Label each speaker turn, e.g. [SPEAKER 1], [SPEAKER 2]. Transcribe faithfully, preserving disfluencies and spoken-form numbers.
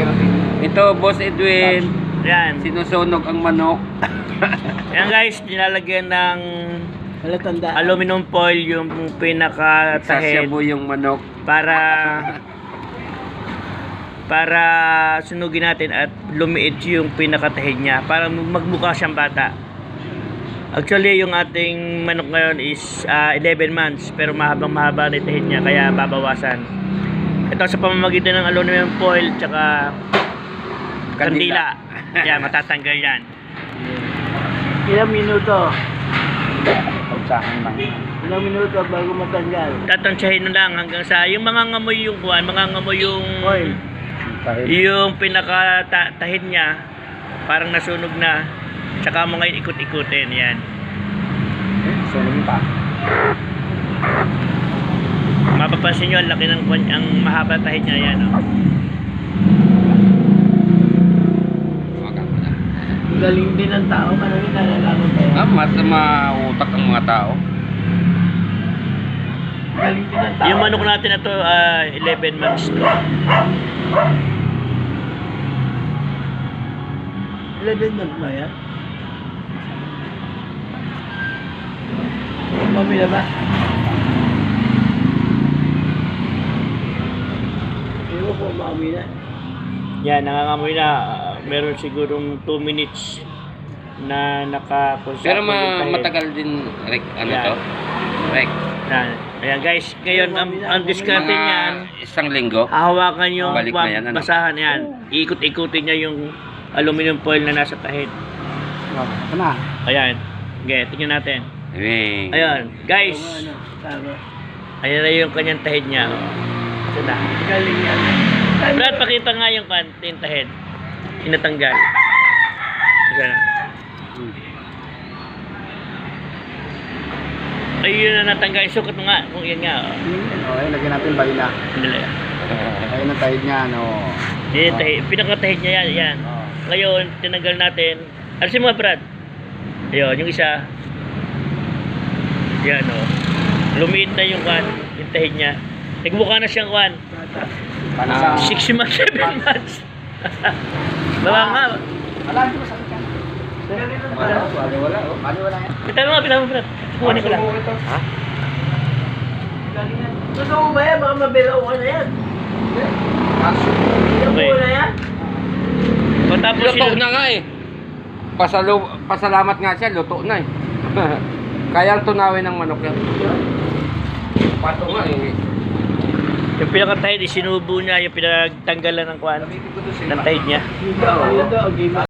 [SPEAKER 1] Ito, Boss Edwin.
[SPEAKER 2] Yan.
[SPEAKER 1] Sinusunog ang manok.
[SPEAKER 2] Yan guys, nilalagyan ng
[SPEAKER 3] Palatanda.
[SPEAKER 2] aluminum foil yung pinaka-tahid
[SPEAKER 1] Sasabu yung manok.
[SPEAKER 2] para para sunugin natin at lumiit yung pinakatahid niya para magmukha siyang bata. Actually, yung ating manok ngayon is uh, eleven months pero mahabang mahaba na yung tahid niya kaya babawasan. Ito sa pamamagitan ng aluminum foil tsaka kandila. Yan, matatanggal yan.
[SPEAKER 3] Ilang minuto?
[SPEAKER 1] Pagsahan lang.
[SPEAKER 3] Ilang minuto bago matanggal?
[SPEAKER 2] Tatansyahin lang hanggang sa yung mga ngamoy yung kuwan, mga ngamoy yung
[SPEAKER 3] Oil.
[SPEAKER 2] yung pinaka-tahid niya parang nasunog na. Tsaka mo ngayon ikot-ikutin yan.
[SPEAKER 1] Sunog pa.
[SPEAKER 2] Mapapansin nyo, ang laki ng kwan, ang mahaba tahid niya yan. Oh.
[SPEAKER 3] Galing din ng tao, maraming nalalaman tayo.
[SPEAKER 1] Ah, mat mautak ang mga tao.
[SPEAKER 3] Galing din ng tao.
[SPEAKER 2] Yung manok natin na to, uh, eleven months to.
[SPEAKER 3] eleven months ba yan? Mamila ba? Ewan ko, mamila.
[SPEAKER 2] Yan, nangangamoy na. Uh, meron sigurong two minutes na nakakonsak.
[SPEAKER 1] Pero ma matagal din, Rick, ano
[SPEAKER 2] Yan.
[SPEAKER 1] to? Rick.
[SPEAKER 2] Yan. Ayan guys, ngayon ang, ang diskarte
[SPEAKER 1] Mga
[SPEAKER 2] niyan,
[SPEAKER 1] isang linggo.
[SPEAKER 2] hahawakan yung
[SPEAKER 1] Balik na yan, ano?
[SPEAKER 2] basahan yan. Iikot-ikutin niya yung aluminum foil na nasa tahid.
[SPEAKER 3] Ito na.
[SPEAKER 2] Ayan. Okay, tingnan natin.
[SPEAKER 1] Wing.
[SPEAKER 2] Ayan, guys.
[SPEAKER 3] Ano, tama.
[SPEAKER 2] Ayan na yung kanyang tahid niya. Oh. Ito na.
[SPEAKER 3] Galing yan.
[SPEAKER 2] Brad, pakita nga yung kan, yung tahid. Inatanggal. Ito na. Ayun na natanggal. Sukat mo nga. Kung yan nga. Oh.
[SPEAKER 3] Okay, lagyan natin balina.
[SPEAKER 2] Sandali.
[SPEAKER 3] Ayun ang tahid niya, ano.
[SPEAKER 2] Yan yung tahid. Pinakatahid niya yan. Yan. Ngayon, tinanggal natin. Alisin mo, Brad. Ayun, yung isa. Yan, o. Oh. Lumiit na yung kan, yung tahid niya. Nagmukha na siyang kan.
[SPEAKER 1] Panasa.
[SPEAKER 2] six months, seven months. Baba nga.
[SPEAKER 3] Alam ko sa akin. Wala, wala, wala. Wala yan.
[SPEAKER 2] Pita mo nga, pita mo, Brad. Kukunin ko lang.
[SPEAKER 1] Ha?
[SPEAKER 3] Totoo ba yan? Baka mabilaw ka na yan.
[SPEAKER 2] Okay.
[SPEAKER 3] Totoo na yan?
[SPEAKER 2] Patapos
[SPEAKER 1] Luto
[SPEAKER 2] yun.
[SPEAKER 1] na nga eh. Pasalo, pasalamat nga siya, luto na eh. Kayang tunawin ng manok yan. Pato nga eh.
[SPEAKER 2] Yung pinakatahid, isinubo niya, yung pinagtanggalan ng kwan, ng tahid niya.
[SPEAKER 3] Yun daw, yun daw.